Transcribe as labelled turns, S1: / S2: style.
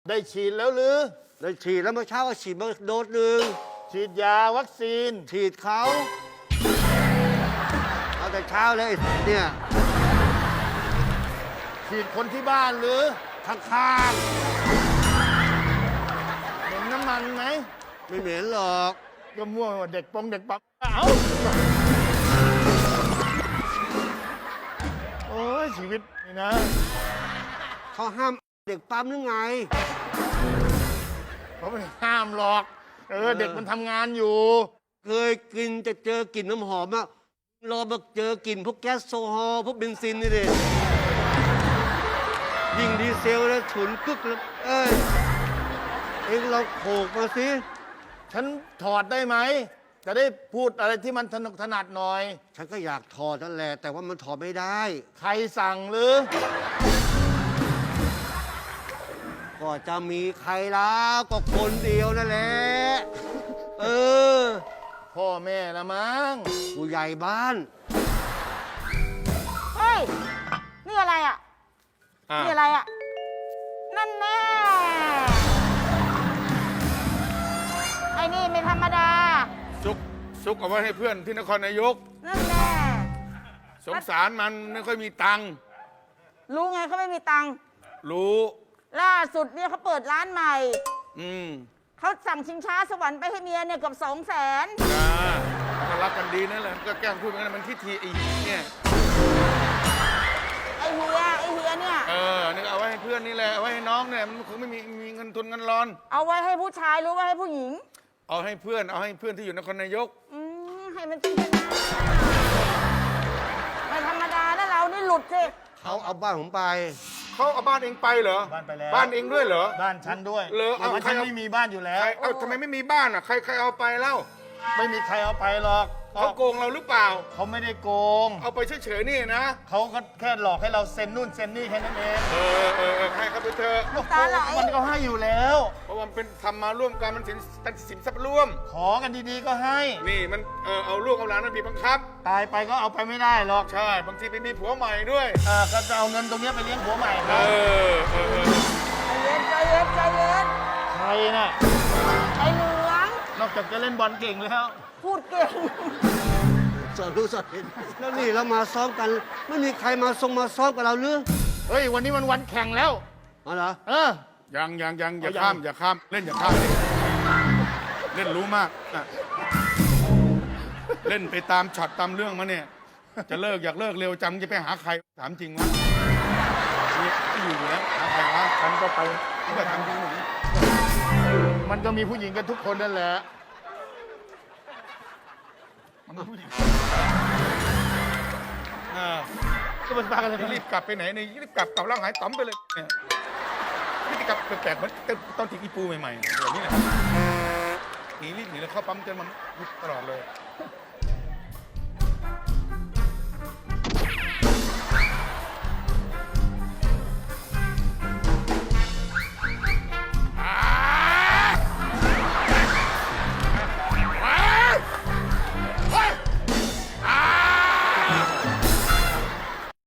S1: ได้ฉีดแล้วหรือ
S2: ได้ฉีดแล้วเมื่อเช้าก็ฉีดมาโดสหนึ่ง
S1: ฉีดยาวัคซีน
S2: ฉีดเขาเอาแต่เช้าเลยเนี่ย
S1: ฉีดคนที่บ้านหรือ
S2: ข้าง
S1: เห็นน้ำมันไหม
S2: ไม่เหม็นหรอก
S1: ก็มั่วเด็กปงเด็กปั๊มเอ้าโอ้ยชีวิตนี่นะ
S2: เขาห้ามเด็กปั๊มหรือไง
S1: เขาไม่ห้ามหรอกเด็กมันทำงานอยู่
S2: เคยกินจะเจอกลิ่นน้ำหอมอะรอมาเจอกลิ่นพวกแก๊สโซฮอล์พวกเบนซินนี่ดิยิ่งดีเซลแล้วฉุนกึกแล้วเองเราโขกมาสิ
S1: ฉันถอดได้ไหมจะได้พูดอะไรที่มันถนัดหน่อย
S2: ฉันก็อยากถอดนั่นแหละแต่ว่ามันถอดไม่ได้
S1: ใครสั่งหรือ
S2: ก็จะมีใครแล้วก็คนเดียวนั่นแหละ
S1: พ่อแม่ละมั้ง
S2: ผู้ใหญ่บ้าน
S3: เฮ้ยนี่อะไรอ่ะนี่อะไรอ่ะนั่นแน่ไอ้นี่ไม่ธรรมดา
S4: ซุกเอาไว้ให้เพื่อนที่นครนายก
S3: นั่นแน่
S4: สงสารมันไม่ค่อยมีตังค์
S3: รู้ไงเขาไม่มีตังค์
S4: รู้
S3: ล่าสุดเนี่ยเขาเปิดร้านใหม่
S4: ม
S3: เขาสั่งชิงช้าสวรรค์ไปให้เมียเนี่ยเกือบ200,000
S4: มันรักกันดีนั่นแหละก็แกล้งพูดกันมันทิฐิเนี่ย
S3: ไอเฮียเนี่ย
S4: นี่เอาไว้ให้เพื่อนนี่แหละเอาไว้ให้น้องเนี่ยมันคงไม่มีเงินทุนเงินร้อน
S3: เอาไว้ให้ผู้ชายรู้ว่าให้ผู้หญิง
S4: เอาให้เพื่อนที่อยู่นครนายก
S3: ให้มันเป็นไม่ธรรมดานะเรานี่หลุดสิ
S2: เขาเอาบ้านผมไป
S4: เขาเอาบ้านเองไปเหรอ
S1: บ้านไปแล้ว
S4: บ้านเองด้วยเหรอ
S1: บ้านฉันด้วย
S4: เหรอ
S1: ฉันไม่มีบ้านอยู่แล้ว
S4: ทำไมไม่มีบ้านอ่ะใครเอาไปเล่า
S1: ไม่มีใครเอาไปหรอก
S4: เขาโกงเราหรือเปล่า
S1: เขาไม่ได้โกง
S4: เอาไปเฉยๆนี่นะ
S1: เขาก็แค่หลอกให้เราเซ็นนู่นเซ็นนี่แค่นั้นเอง
S4: ให้เขาไปเถอะ
S1: มันก็ให้อยู่แล้ว
S4: เพราะมันเป็นทำมาร่วมกันมันสินทรัพย์ร่วม
S1: ขอกันดีๆก็ให้
S4: นี่มันเอาลูกเอาหลานมันบีบบังคับ
S1: ตายไปก็เอาไปไม่ได้หรอก
S4: ใช่บางทีไปมีผัวใหม่ด้วย
S1: ก็จะเอาเงินตรงนี้ไปเลี้ยงผัวใหม่
S4: ครับ
S3: ใจเย็น
S1: ใครน่ะ
S3: ไอ้เหลือง
S1: นอกจากจะเล่นบอลเก่งแล้ว
S3: พูดเก่ง
S2: สอนรู้สอนเห็นแล้วนี่เรามาซ้อมกันไม่มีใครมาซ้อมกับเราหรือ
S1: เฮ้ยวันนี้มันวันแข่งแล้ว
S2: อ๋อเหรอ
S4: ยังอย่าข้ามเล่นอย่าข้ามเล่นรู้มากเล่นไปตามช็อตตามเรื่องมาเนี่ยจะอยากเลิกเร็วจังจะไปหาใครถามจริงวะนี่อยู่แล้วหาใครวะ
S1: ฉันก็ไป
S4: ก็ทำจริง
S1: มันก็มีผู้หญิงกันทุกคนนั่นแหละก็มันปากันเลย
S4: รีบกลับไปไหนเนี่ยรีบกลับร่างหายต่อมไปเลยเนี่ยพฤติกรรมแปลกๆเหมือนตอนทิ้งอีปูใหม่ๆแบบนี้แหละรีบหนีแล้วเข้าปั๊มจนมันตลอดเลย